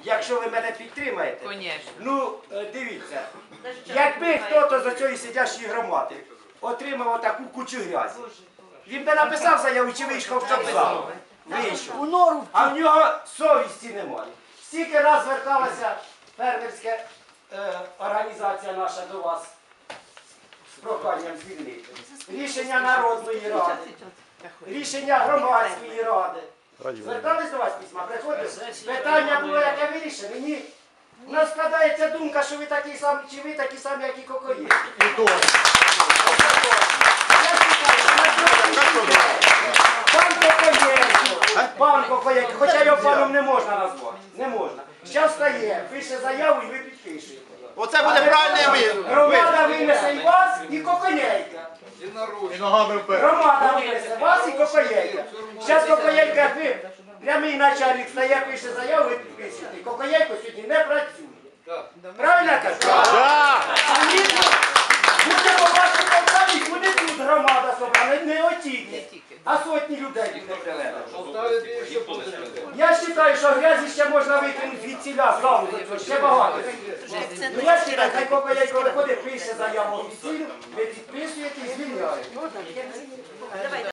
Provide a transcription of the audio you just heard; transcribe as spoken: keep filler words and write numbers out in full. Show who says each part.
Speaker 1: якщо ви мене підтримаєте.
Speaker 2: Конечно.
Speaker 1: Ну, е, дивіться, якби хтось з цієї сидячої громади отримав отаку кучу грязі, він би написав заяву чи вийшов в чопзал. Вийшов. А в нього совісті немає. Стільки раз зверталася фермерська е, організація наша до вас з проханням звільнити. Рішення Народної ради, рішення громадської ради. Звертались до вас письма, приходили? Питання було, яке вирішено. Ні. У нас складається думка, що ви такі самі, чи ви такі самі, як і Кокоєв. Пан Кокоєнко, пан Кокоєнко, хоча його паном не можна назвати. Не можна. Зараз встає, пише заяву і ви підпишете.
Speaker 3: Оце буде правильний вид.
Speaker 1: Громада винесе і вас, і Кокоєнка. Громада винесе вас і Кокоєнка. Зараз Кокоєнка, ви, прямий начальник стає, пише заяву, ви підписуєте. Кокоєнко сьогодні не працює. Правильно я кажу?
Speaker 3: Так!
Speaker 1: Буде по вашій Полтаві, буде тут громада собрана, не отільні, а сотні людей буде приведено. Я вважаю, що грязі ще можна викинути від ціля з залу, ще багато. Ну я вважаю, хай Кокоєнко виходить, пише заяву офіційну, ви підписуєте і звільняєте.